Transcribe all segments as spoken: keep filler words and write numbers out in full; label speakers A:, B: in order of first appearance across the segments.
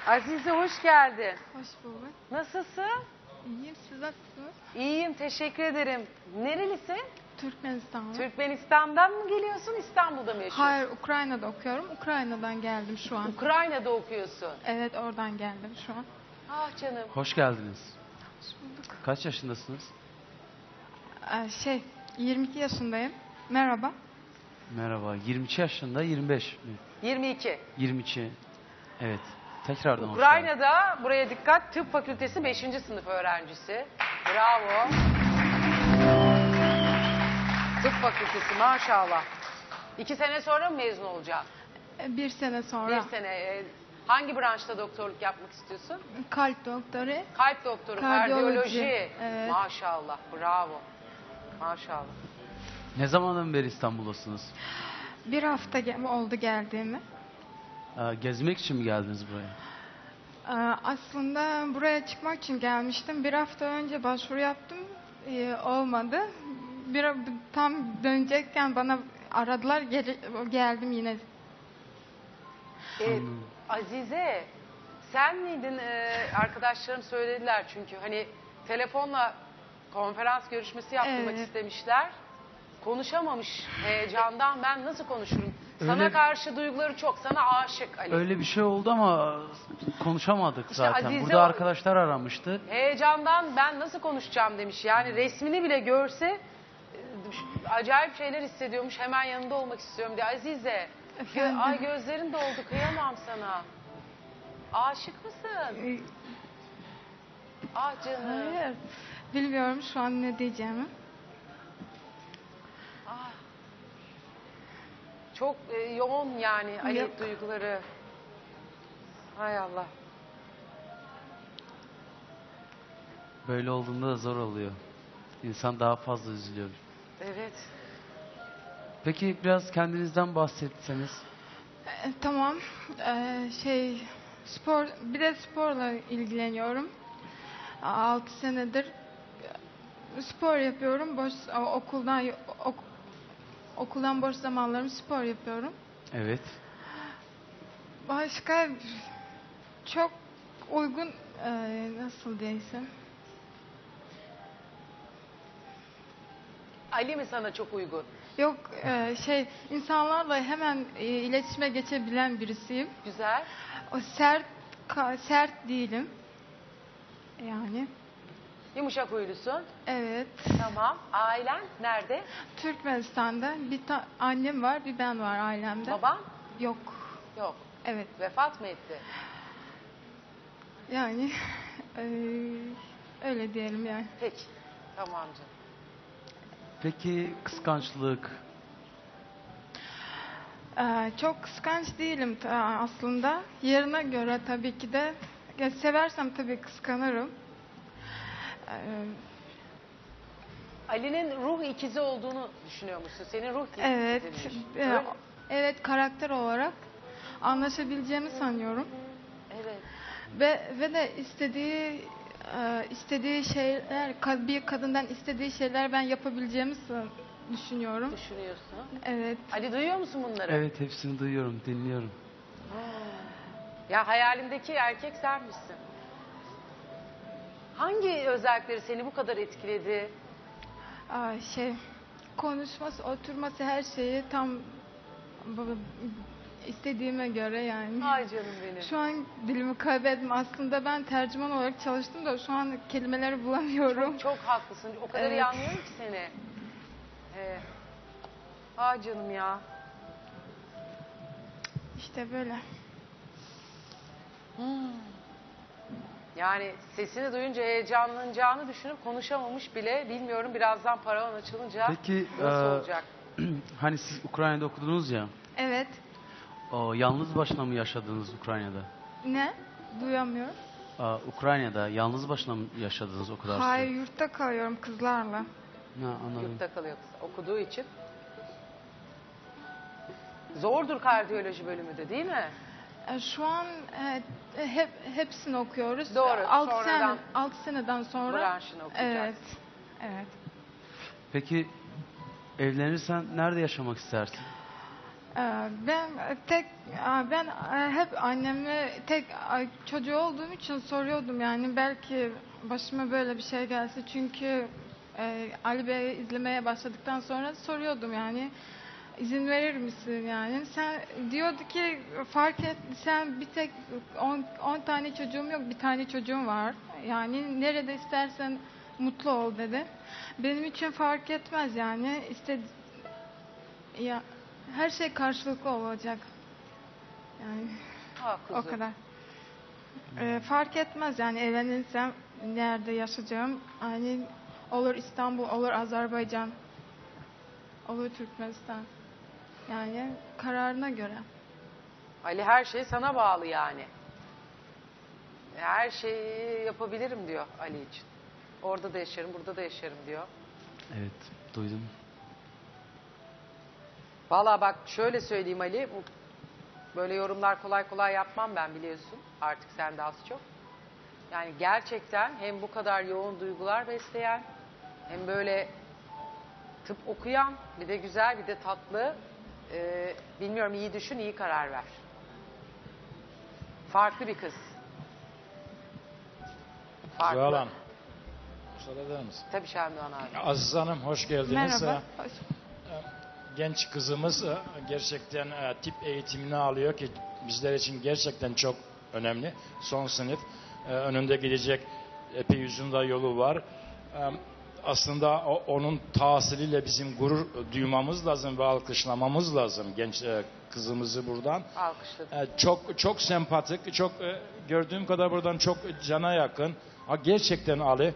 A: Azize hoş geldin.
B: Hoş bulduk.
A: Nasılsın?
B: İyiyim, siz nasılsınız?
A: İyiyim, teşekkür ederim. Nerelisin?
B: Türkmenistan'da.
A: Türkmenistan'dan mı geliyorsun, İstanbul'da mı yaşıyorsun?
B: Hayır, Ukrayna'da okuyorum. Ukrayna'dan geldim şu an.
A: Ukrayna'da okuyorsun.
B: Evet, oradan geldim şu an.
A: Ah canım.
C: Hoş geldiniz.
B: Hoş bulduk.
C: Kaç yaşındasınız?
B: Ee, şey, yirmi iki yaşındayım. Merhaba.
C: Merhaba. yirmi iki yaşında, yirmi beş mi?
A: yirmi iki.
C: yirmi iki. Evet. Tekrardan hoş geldiniz.
A: Ukrayna'da, buraya dikkat, tıp fakültesi beşinci sınıf öğrencisi. Bravo. Tıp fakültesi maşallah. İki sene sonra mı mezun olacaksın?
B: Ee, Bir sene sonra.
A: Bir sene. e, Hangi branşta doktorluk yapmak istiyorsun?
B: Kalp doktoru.
A: Kalp doktoru,
B: Kardiyoloji.
A: kardiyoloji.
B: Evet.
A: Maşallah, bravo. Maşallah.
C: Ne zamandan beri İstanbul'dasınız?
B: Bir hafta ge- oldu geldiğimi.
C: Ee, gezmek için mi geldiniz buraya?
B: Ee, aslında buraya çıkmak için gelmiştim. Bir hafta önce başvuru yaptım. Ee, olmadı. Bir, tam dönecekken bana aradılar. Gele- geldim yine.
A: Ee, Azize, sen miydin? Ee, arkadaşlarım söylediler çünkü hani telefonla konferans görüşmesi yaptırmak
B: Evet.
A: istemişler. Konuşamamış heyecandan, ben nasıl konuşurum? Sana
C: Öyle-
A: karşı duyguları çok, sana aşık Ali.
C: Öyle bir şey oldu ama konuşamadık
A: İşte
C: zaten.
A: Azize
C: Burada
A: o-
C: arkadaşlar aramıştı.
A: Heyecandan ben nasıl konuşacağım demiş. Yani resmini bile görse e, acayip şeyler hissediyormuş. Hemen yanında olmak istiyorum diye. Azize, gö-
B: Efendim?
A: ay gözlerin doldu, kıyamam sana. Aşık mısın?
B: Ee,
A: Ah canım.
B: Hayır. Bilmiyorum şu an ne diyeceğimi.
A: Ah. Çok e, yoğun yani Ali
B: Yok.
A: duyguları. Hay Allah.
C: Böyle olduğunda da zor oluyor. İnsan daha fazla üzülüyor.
A: Evet.
C: Peki biraz kendinizden bahsetseniz.
B: Ee, tamam. Ee, şey spor bir de sporla ilgileniyorum. altı senedir e, spor yapıyorum. Boş o- okuldan ok- okuldan boş zamanlarım spor yapıyorum.
C: Evet.
B: Başka çok uygun e, nasıl diyeysem.
A: Ali mi sana çok uygun?
B: Yok e, şey insanlarla hemen e, iletişime geçebilen birisiyim.
A: Güzel.
B: O sert ka- sert değilim. Yani
A: Yumuşak huylusun.
B: evet.
A: Tamam. Ailen nerede?
B: Türkmenistan'da bir ta- annem var, bir ben var ailemde.
A: Baban?
B: Yok.
A: Yok.
B: Evet.
A: Vefat mı etti?
B: Yani eee, öyle diyelim yani.
A: Peki. Tamam canım.
C: Peki kıskançlık.
B: Eee, çok kıskanç değilim ta- aslında. Yerine göre tabii ki de ya seversem tabii kıskanırım. Eee,
A: Ali'nin ruh ikizi olduğunu düşünüyor musun? Senin ruh ikiziymiş.
B: evet. eee,
A: Öyle-
B: evet karakter olarak anlaşabileceğimi sanıyorum.
A: Evet.
B: Ve ve de istediği e, istediği şeyler ka- bir kadından istediği şeyler ben yapabileceğimi sa- düşünüyorum.
A: Düşünüyorsun.
B: Evet.
A: Ali duyuyor musun bunları?
C: Evet, hepsini duyuyorum, dinliyorum.
A: Ya hayalimdeki erkek sen misin? Hangi özellikleri seni bu kadar etkiledi?
B: Aa, şey konuşması, oturması her şeyi tam bu- istediğime göre yani.
A: Ay canım benim.
B: Şu an dilimi kaybettim. Aslında ben tercüman olarak çalıştım da şu an kelimeleri bulamıyorum.
A: Çok haklısın. O kadar iyi
B: Evet.
A: anlıyorum ki seni. Ee, ay canım ya.
B: İşte böyle.
A: Yani sesini duyunca heyecanlanacağını düşünüp konuşamamış bile. Bilmiyorum, birazdan paravan açılınca
C: Peki
A: nasıl
C: eee,
A: olacak?
C: hani siz Ukrayna'da okudunuz ya.
B: Evet.
C: O, yalnız başına mı yaşadınız Ukrayna'da?
B: Ne? Duyamıyorum.
C: Aa, Ukrayna'da yalnız başına mı yaşadınız o kadar süre?
B: Hayır, yurtta kalıyorum kızlarla.
C: Ha, anladım.
A: Yurtta kalıyor kız. Okuduğu için. Zordur kardiyoloji bölümü de, değil mi?
B: E, Şu an e, hep hepsini okuyoruz.
A: Doğru,
B: altı
A: sonradan
B: sene altı seneden sonra.
A: branşını okuyacaksın.
B: Evet. Evet.
C: Peki evlenirsen nerede yaşamak istersin?
B: E, Ee, Ben tek ben hep anneme tek çocuğu olduğum için soruyordum, yani belki başıma böyle bir şey gelse, çünkü e, Ali Bey'i izlemeye başladıktan sonra soruyordum, yani izin verir misin, yani sen diyordu ki fark et, sen bir tek on tane çocuğum yok, bir tane çocuğum var, yani nerede istersen mutlu ol dedi. Benim için fark etmez, yani işte ya her şey karşılıklı olacak. Yani
A: Ha
B: o
A: kuzum.
B: kadar. Ee, fark etmez, yani evlenirsem nerede yaşayacağım. Yani olur İstanbul, olur Azerbaycan, olur Türkmenistan. Yani kararına göre.
A: Ali her şey sana bağlı yani. Her şeyi yapabilirim diyor Ali için. Orada da yaşarım, burada da yaşarım diyor.
C: Evet, duydum.
A: Vallahi bak şöyle söyleyeyim Ali, bu böyle yorumlar kolay kolay yapmam ben, biliyorsun. Artık sen de az çok. Yani gerçekten hem bu kadar yoğun duygular besleyen, hem böyle tıp okuyan, bir de güzel, bir de tatlı. Ee, bilmiyorum, iyi düşün, iyi karar ver. Farklı bir kız. Farklı.
D: Zuhal Hanım, müsaade eder misin?
A: Tabii Şendoğan abi.
D: Aziz Hanım, hoş geldiniz.
B: Merhaba.
D: Ee,
B: Hoş-
D: Genç kızımız e, gerçekten e, tıp eğitimini alıyor ki bizler için gerçekten çok önemli. Son sınıf. E, Önünde gidecek epey uzun da yolu var. E, Aslında o- onun tahsiliyle bizim gurur duymamız lazım ve alkışlamamız lazım genç e, kızımızı buradan.
A: Alkışladım.
D: E, Çok çok sempatik, çok e, gördüğüm kadar buradan çok cana yakın. Ha, gerçekten Ali,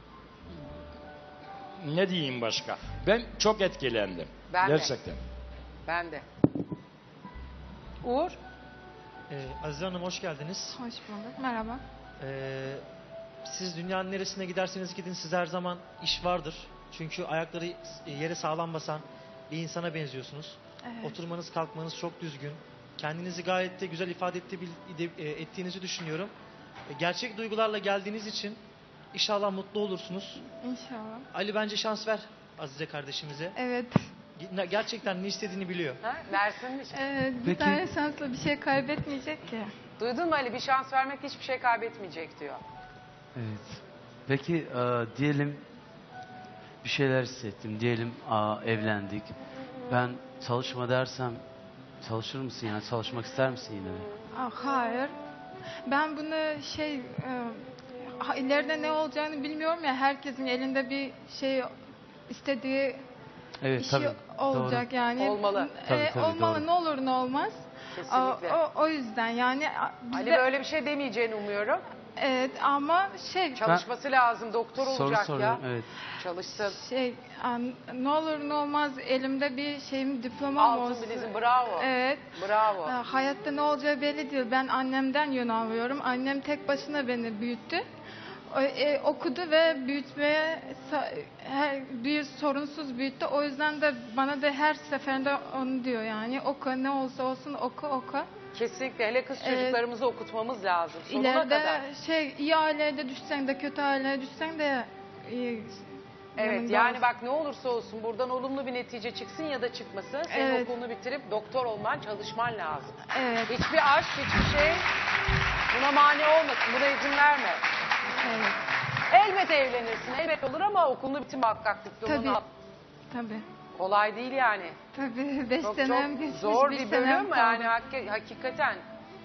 D: ne diyeyim başka? Ben çok etkilendim.
A: Ben de.
D: gerçekten.
A: Ben de. Uğur.
E: Ee, Azize Hanım hoş geldiniz.
B: Hoş bulduk. Merhaba.
E: Ee, siz dünyanın neresine giderseniz gidin size her zaman iş vardır. Çünkü ayakları yere sağlam basan bir insana benziyorsunuz.
B: Evet.
E: Oturmanız kalkmanız çok düzgün. Kendinizi gayet de güzel ifade etti- bil- e, ettiğinizi düşünüyorum. E, Gerçek duygularla geldiğiniz için inşallah mutlu olursunuz.
B: İnşallah.
E: Ali bence şans ver Azize kardeşimize.
B: Evet.
E: Ge- Gerçekten ne istediğini biliyor.
A: Ha? Versin mi?
B: Evet, bir
C: Peki-
B: tane şansla bir şey kaybetmeyecek ki.
A: Duydun mu Ali? Bir şans vermek hiçbir şey kaybetmeyecek diyor.
C: Evet. Peki e, diyelim bir şeyler hissettim. Diyelim aa, evlendik. Ben çalışma dersem çalışır mısın yani? Çalışmak ister misin yine de?
B: Ah, hayır. Ben bunu şey e, ha- ileride ne olacağını bilmiyorum ya. Herkesin elinde bir şey istediği
C: Evet
B: işi
C: tabii.
B: olacak
C: Doğru.
B: yani.
A: Olmalı.
B: E,
C: Tabii, tabii,
B: olmalı,
C: doğru.
B: ne olur ne olmaz.
A: Kesinlikle.
B: O, o, o yüzden yani a,
A: Ali
B: bize-
A: böyle bir şey demeyeceğini umuyorum.
B: evet, ama şey
A: Çalışması lazım. Doktor
C: Soru
A: olacak ya.
C: soruyorum. Evet.
A: Çalışsın.
B: şey an- ne olur ne olmaz elimde bir şeyim, diplomam
A: Altın
B: olsun.
A: bilezik. Bravo.
B: Evet.
A: Bravo.
B: E, Hayatta ne olacağı belli değil. Ben annemden yön alıyorum. Annem tek başına beni büyüttü. O- e, okudu ve büyütmeye sa- her bir sorunsuz büyüttü. O yüzden de bana da her seferinde onu diyor, yani oku, ne olsa olsun oku oku.
A: Kesinlikle. Hele kız
B: Evet.
A: çocuklarımızı okutmamız lazım. Sonuna
B: İleride
A: kadar.
B: şey, iyi aileye düşsen de kötü aileye düşsen de iyi
A: Evet,
B: yanında
A: yani
B: olsun.
A: bak ne olursa olsun buradan olumlu bir netice çıksın ya da çıkmasın. Senin
B: Evet.
A: okulunu bitirip doktor olman, çalışman lazım.
B: Evet,
A: Hiçbir aşk, hiçbir şey buna mani olmasın. Buna izin verme.
B: evet.
A: Elbet evlenirsin, elbet olur ama okulunu bitir muhakkak, diplomanı
B: Tabii.
A: al.
B: Tabii.
A: Kolay değil yani.
B: Tabii. Beş
A: Çok
B: senem
A: çok
B: geçmiş,
A: zor
B: bir
A: bir
B: senem
A: bölüm
B: kaldı.
A: yani hak- hakikaten.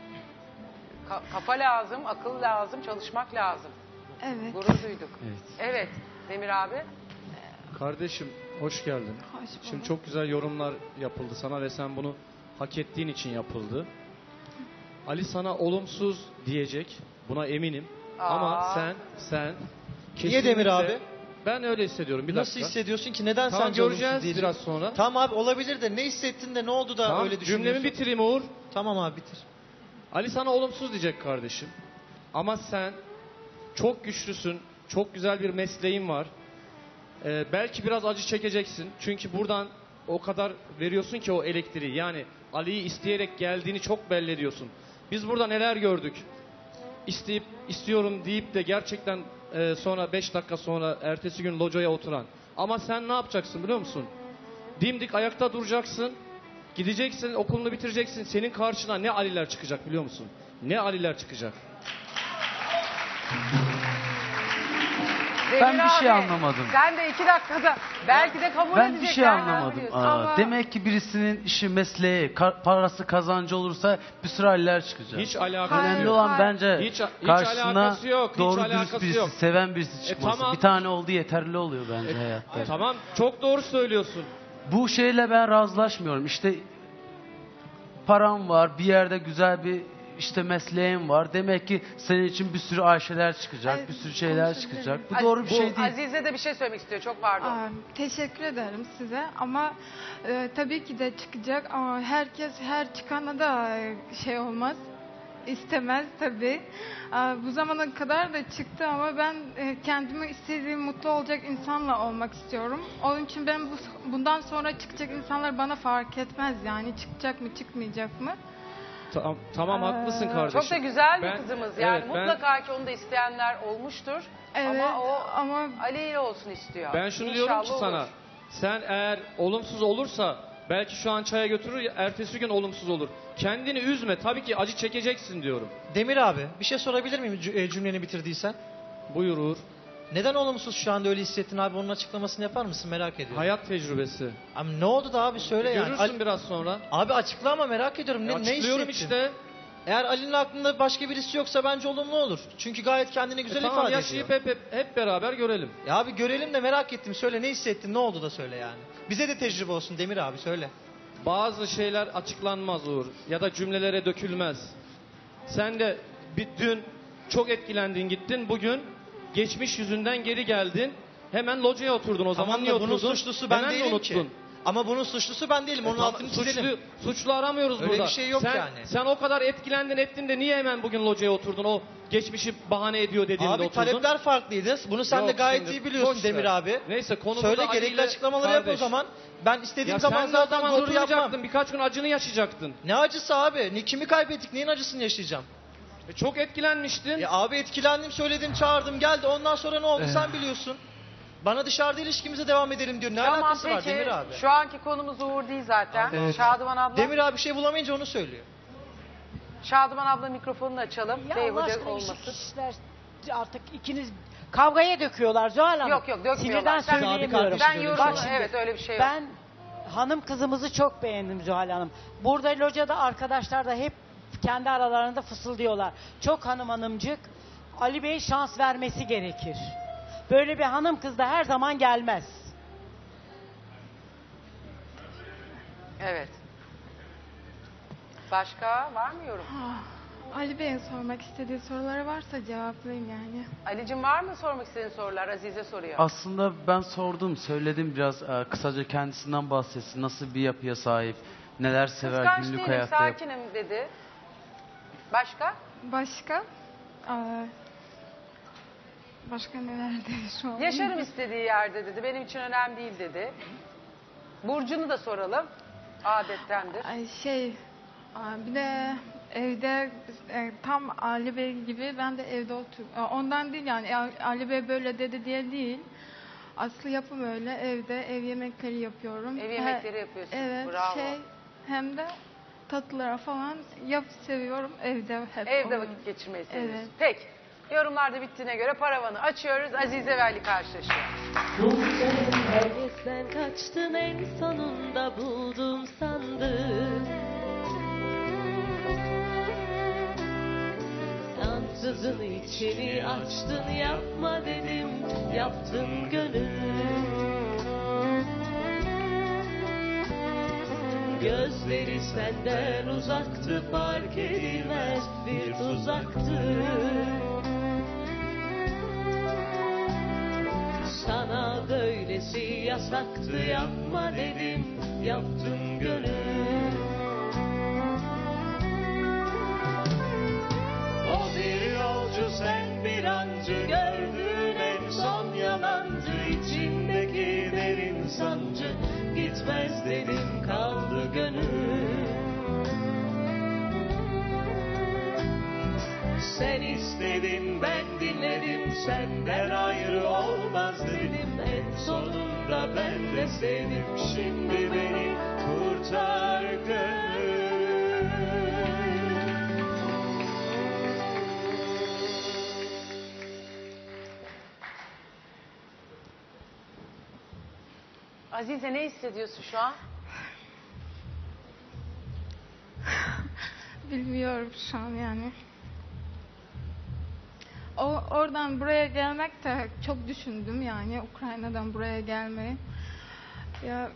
A: Ka- kafa lazım, akıl lazım, çalışmak lazım.
B: Evet.
A: Gurur duyduk.
C: Evet.
A: Evet, Demir abi.
F: Kardeşim hoş geldin.
B: Hoş bulduk.
F: Şimdi çok güzel yorumlar yapıldı sana ve sen bunu hak ettiğin için yapıldı. Ali sana olumsuz diyecek. Buna eminim.
A: Aa.
F: Ama sen sen
E: Niye Demir
F: kesinlikle-
E: abi?
F: Ben öyle hissediyorum. Bir
E: Nasıl
F: dakika.
E: hissediyorsun ki? Neden
F: Tamam,
E: sence olumsuz
F: göreceğiz
E: diyecek?
F: biraz sonra.
E: Tamam abi, olabilir de ne hissettin de ne oldu da
F: Tamam,
E: öyle düşünüyorsun?
F: cümlemi bitireyim Uğur.
E: Tamam abi, bitir.
F: Ali sana olumsuz diyecek kardeşim. Ama sen çok güçlüsün. Çok güzel bir mesleğin var. Ee, belki biraz acı çekeceksin. Çünkü buradan o kadar veriyorsun ki o elektriği. Yani Ali'yi isteyerek geldiğini çok belli ediyorsun. Biz burada neler gördük. İsteyip istiyorum deyip de gerçekten e, sonra beş dakika sonra ertesi gün locaya oturan. Ama sen ne yapacaksın biliyor musun? Dimdik ayakta duracaksın. Gideceksin, okulunu bitireceksin. Senin karşına ne Aliler çıkacak biliyor musun? Ne Aliler çıkacak?
A: Demir
C: Ben bir şey
A: abi,
C: anlamadım.
A: Sen de iki dakikada belki de kabul
C: Ben
A: edecekler.
C: bir şey
A: ne
C: anlamadım.
A: yapıyorsun?
C: Aa,
B: Ama-
C: Demek ki birisinin işi, mesleği, ka- parası, kazancı olursa bir sürü haller çıkacak.
F: Hiç alakası
B: Hayır,
C: Önemli
F: yok.
C: olan
B: hayır.
C: bence
F: Hiç- hiç
C: karşısına
F: alakası yok, hiç
C: doğru dürüst
F: alakası
C: birisi,
F: yok.
C: seven birisi çıkması.
F: tamam.
C: Bir tane oldu yeterli oluyor bence hayatta.
F: E, tamam, çok doğru söylüyorsun.
C: Bu şeyle ben razılaşmıyorum. İşte param var, bir yerde güzel bir işte mesleğin var. Demek ki senin için bir sürü Ayşeler çıkacak,
B: Ay,
C: bir sürü şeyler
B: konuşabilir
C: çıkacak. Bu
A: Az-
C: doğru bir şey değil.
A: Azize de bir şey söylemek istiyor. Çok pardon.
B: Aa, teşekkür ederim size ama e, tabii ki de çıkacak ama herkes her çıkana da e, şey olmaz. İstemez tabii. Aa, bu zamana kadar da çıktı ama ben e, kendimi istediğim mutlu olacak insanla olmak istiyorum. Onun için ben bu, bundan sonra çıkacak insanlar bana fark etmez yani çıkacak mı çıkmayacak mı?
F: Tamam, tamam haklısın
B: Ee,
F: kardeşim.
A: Çok da güzel bir
F: Ben-
A: kızımız. Yani
F: evet, ben-
A: mutlaka ki onu da isteyenler olmuştur.
B: Evet
A: ama o
B: ama
A: Ali ile olsun istiyor.
F: Ben şunu
A: İnşallah
F: diyorum ki
A: olur.
F: sana. Sen eğer olumsuz olursa belki şu an çaya götürür, ertesi gün olumsuz olur. Kendini üzme. Tabii ki acı çekeceksin diyorum.
E: Demir abi bir şey sorabilir miyim cü- e, cümleni bitirdiysen?
F: Buyur Uğur.
E: Neden olumsuz şu anda öyle hissettin abi? Onun açıklamasını yapar mısın? Merak ediyorum.
F: Hayat tecrübesi.
E: Abi ne oldu da abi söyle yani.
F: Görürsün
E: Ali-
F: biraz sonra.
E: Abi açıkla ama merak ediyorum. Ne,
F: Ya
E: ne
F: açıklıyorum
E: hissettin?
F: işte.
E: Eğer Ali'nin aklında başka birisi yoksa bence olumlu olur. Çünkü gayet kendini güzel
F: E tamam,
E: ifade
F: yaşayıp
E: ediyor.
F: hep, hep, hep beraber görelim.
E: Ya abi görelim de merak ettim. Söyle ne hissettin? Ne oldu da söyle yani. Bize de tecrübe olsun Demir abi söyle.
F: Bazı şeyler açıklanmaz Uğur. Ya da cümlelere dökülmez. Sen de bir dün çok etkilendin gittin. Bugün geçmiş yüzünden geri geldin. Hemen locaya oturdun. O zaman
E: Tamam
F: niye
E: da bunun
F: oturdun?
E: suçlusu ben
F: Hemen de
E: değilim
F: unuttun.
E: ki. Ama bunun suçlusu ben değilim.
F: E
E: Onun
F: tamam,
E: altını çizelim.
F: suçlu, suçlu aramıyoruz
E: Öyle
F: burada.
E: bir şey yok
F: sen,
E: yani.
F: Sen o kadar etkilendin ettin de niye hemen bugün locaya oturdun? O geçmişi bahane ediyor dediğinde
E: Abi
F: oturdun.
E: talepler farklıydı. Bunu sen de
F: Yok,
E: gayet
F: şimdi
E: iyi biliyorsun
F: boş
E: Demir
F: ver.
E: abi.
F: Neyse konu
E: Söyle
F: burada
E: gerekli
F: Ali ile
E: açıklamaları yap o
F: kardeş.
E: zaman. Ben istediğim
F: Ya
E: zaman
F: sen de o
E: zaten
F: zaman
E: otur yapmam.
F: durmayacaktın. Birkaç gün acını yaşayacaktın.
E: Ne acısı abi? Ne, kimi kaybettik? Neyin acısını yaşayacağım?
F: E çok etkilenmiştin.
E: Ya abi etkilendim, söyledim, çağırdım, geldi. Ondan sonra ne oldu
F: Eh.
E: sen biliyorsun. Bana dışarıda ilişkimize devam edelim diyor. Ne
A: Tamam
E: alakası var
A: peki.
E: Demir abi?
A: Şu anki konumuz Uğur değil zaten.
F: Evet.
A: Şadıman abla.
E: Demir abi bir şey bulamayınca onu söylüyor.
A: Şadıman abla mikrofonunu açalım.
G: Ya Allah
A: Beyhude
G: aşkına
A: olmasın.
G: işi kişiler artık ikiniz kavgaya döküyorlar Zuhal Hanım.
A: Yok yok dökmüyorlar.
G: Sinirden
A: Sen-
G: söyleyemiyorum.
E: Abi
A: Ben
E: kardeşim,
A: yorumunu
G: Bak şimdi,
A: evet öyle bir şey yok.
G: Ben hanım kızımızı çok beğendim Zuhal Hanım. Burada locada arkadaşlar da hep kendi aralarında fısıldıyorlar. Çok hanım hanımcık. Ali Bey şans vermesi gerekir. Böyle bir hanım kız da her zaman gelmez.
A: Evet. Başka var mı yorum?
B: ah, Ali Bey'in sormak istediği soruları varsa cevaplayayım yani.
A: Ali'cim var mı sormak istediğin sorular? Azize soruyor.
C: Aslında ben sordum, söyledim biraz e, kısaca kendisinden bahsetsin. Nasıl bir yapıya sahip, neler sever,
A: Kıskanç
C: günlük
A: değilim,
C: hayatta yap-
A: sakinim dedi. Başka?
B: Başka? Aa, başka neler dedi şu an?
A: Yaşarım istediği yerde dedi. Benim için önemli değil dedi. Burcu'nu da soralım. Adettendir.
B: Ay şey, aa, bir de evde e, tam Ali Bey gibi ben de evde oturuyorum. Ondan değil yani A- Ali Bey böyle dedi diye değil. Aslı yapım öyle evde ev yemekleri yapıyorum.
A: Ev
B: He-
A: yemekleri yapıyorsun.
B: Evet
A: Bravo.
B: şey hem de tatlılara falan yap seviyorum evde hep.
A: Evde
B: oluyor.
A: vakit geçirmeyi seviyorsun.
B: Evet.
A: Peki. Yorumlar da bittiğine göre paravanı açıyoruz. Azize ve Ali karşılaşıyor.
H: Herkesten kaçtın en sonunda buldum sandım. Ansızın içini açtın yapma dedim yaptın gönül. Gözleri senden uzaktı fark edilmez bir tuzaktı. Sana böylesi yasaktı yapma dedim yaptın gönül. O bir yolcu sen bir ancı gördüğün en son yalandı. İçindeki derin sancı gitmez dedim kaldı gönül. Sen istedin ben dinledim senden ayrı olmaz dedim. En sonunda ben de sevdim şimdi beni kurtar gönül.
A: Azize ne hissediyorsun şu an?
B: Bilmiyorum şu an yani. O oradan buraya gelmek de çok düşündüm yani Ukrayna'dan buraya gelmeyi. Ya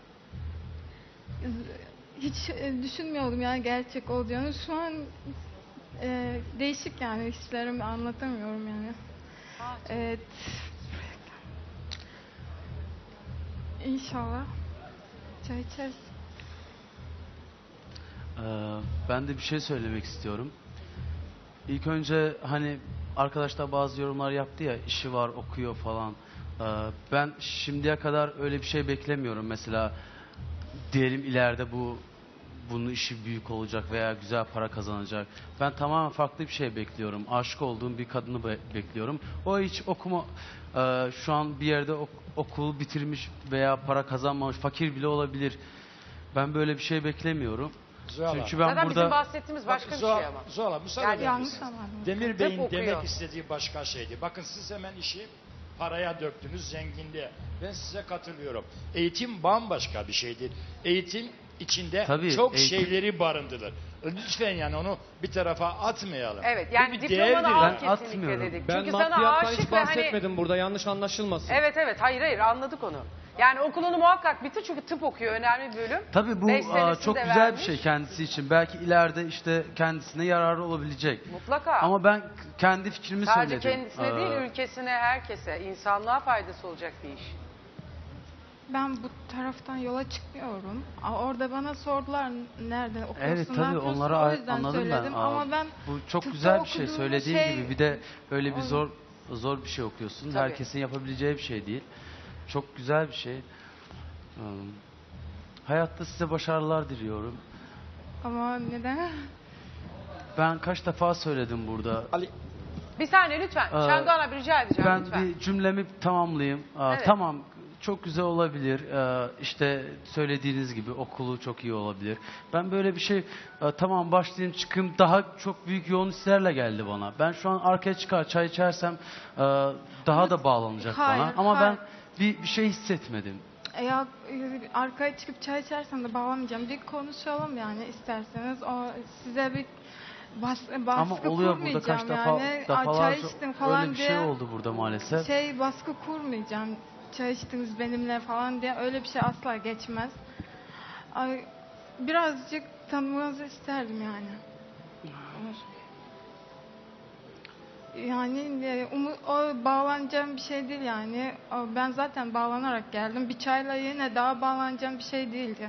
B: z- hiç e, düşünmüyordum yani gerçek olacağını. Şu an e, değişik yani hislerimi anlatamıyorum yani. Evet. İnşallah çay içeriz.
C: Ee, ben de bir şey söylemek istiyorum. İlk önce hani arkadaşlar bazı yorumlar yaptı ya, işi var, okuyor falan. Ee, ben şimdiye kadar öyle bir şey beklemiyorum. Mesela diyelim ileride bu bunun işi büyük olacak veya güzel para kazanacak. Ben tamamen farklı bir şey bekliyorum. Aşık olduğum bir kadını be- bekliyorum. O hiç okuma e, şu an bir yerde ok- okul bitirmiş veya para kazanmamış, fakir bile olabilir. Ben böyle bir şey beklemiyorum.
D: Zuhal
C: Çünkü
D: Hanım.
C: ben
A: Zaten bizim
C: burada
A: bahsettiğimiz başka bir
D: Zuhal-
A: şey ama.
D: Zuhal Hanım, müsaade
A: Yani
D: eder
B: yanlış
D: misiniz?
B: anladım.
D: Demir
A: Tıp
D: Bey'in
A: okuyor.
D: demek istediği başka şeydi. Bakın siz hemen işi paraya döktünüz, zenginliğe. Ben size katılıyorum. Eğitim bambaşka bir şeydir. Eğitim içinde
C: Tabii,
D: çok
C: eğitim-
D: şeyleri barındırır. Lütfen yani onu bir tarafa atmayalım.
A: Evet
D: Bu
A: yani
D: bir
A: diplomanı
D: değerdir
A: al
D: yani.
C: Ben
A: kesinlikle
C: atmıyorum.
A: dedik.
F: Ben
A: Çünkü sana
F: maddiyattan
A: aşık
F: hiç
A: ve hani...
F: bahsetmedim burada, yanlış anlaşılmasın.
A: Evet evet hayır hayır anladık onu. Yani okulunu muhakkak bitir çünkü tıp okuyor önemli bir bölüm.
C: tabii bu
A: Beş
C: aa,
A: senesini
C: çok
A: de
C: güzel
A: vermiş.
C: bir şey kendisi için. Belki ileride işte kendisine yararı olabilecek.
A: Mutlaka.
C: Ama ben kendi fikrimi
A: Sadece
C: söyledim.
A: kendisine
C: Ee,
A: değil ülkesine herkese insanlığa faydası olacak bir iş.
B: Ben bu taraftan yola çıkmıyorum. Aa, Orada bana sordular nerede okuyorsun,
C: Evet
B: ne
C: tabii
B: yapıyorsun?
C: onları
B: O
C: a-
B: yüzden
C: anladım
B: söyledim.
C: ben. Aa,
B: Ama ben
C: bu çok
B: tıpta
C: güzel bir şey
B: okuduğum
C: söylediğin
B: şey-
C: gibi. Bir de öyle bir
B: Onu-
C: zor zor bir şey okuyorsun.
A: Tabii.
C: Herkesin yapabileceği bir şey değil. Çok güzel bir şey. Hmm. Hayatta size başarılar diliyorum.
B: Ama neden?
C: Ben kaç defa söyledim burada.
D: Ali,
A: Bir saniye lütfen.
C: Ee,
A: Şendoğan abi rica edeceğim
C: Ben
A: lütfen.
C: bir cümlemi tamamlayayım. Aa,
A: Evet.
C: Tamam, çok güzel olabilir. Ee, işte söylediğiniz gibi okulu çok iyi olabilir. Ben böyle bir şey e, tamam başlayayım çıkayım daha çok büyük yoğun hislerle geldi bana. Ben şu an arkaya çıkar çay içersem e, daha da bağlanacak
B: Hayır,
C: bana. Ama
B: hayır.
C: ben bir, bir şey hissetmedim.
B: Ya e, arkaya çıkıp çay içersem de bağlamayacağım. Bir konuşalım yani isterseniz. O size bir bas, baskı
C: Ama oluyor burada
B: kurmayacağım
C: kaç defa
B: yani. Aa,
C: defalarca
B: çay içtim falan
C: öyle bir
B: diye.
C: şey oldu burada maalesef.
B: Şey baskı kurmayacağım. Çay içtiniz benimle falan diye öyle bir şey asla geçmez. Ay, birazcık tanımanızı isterdim yani. Yani e, umu- o bağlanacağım bir şey değil yani. O, ben zaten bağlanarak geldim. Bir çayla yine daha bağlanacağım bir şey değildi.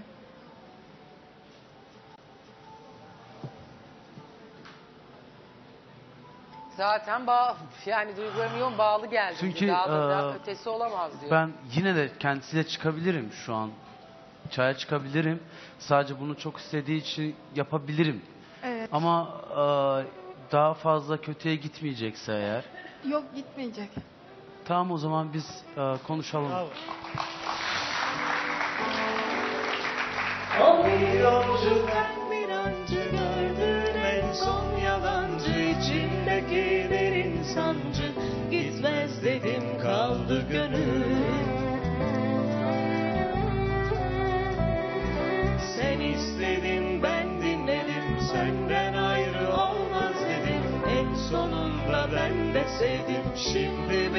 A: Zaten bağ, yani duygularım yoğun bağlı geldi.
C: Çünkü,
A: daha da, daha
C: e,
A: ötesi olamaz diyor.
C: Ben yine de kendisiyle çıkabilirim şu an. Çaya çıkabilirim. Sadece bunu çok istediği için yapabilirim.
B: Evet.
C: Ama e, daha fazla kötüye gitmeyecekse eğer.
B: Yok gitmeyecek.
C: Tamam o zaman biz e, konuşalım.
E: Bravo.
H: O bir yolcu ben bir ancı gördüm en son yalancı içimdeki derin sancı gitmez dedim kaldı gönül. Sen istedin ben dinledim senden ayrı olmaz dedim en sonunda ben de sevdim şimdi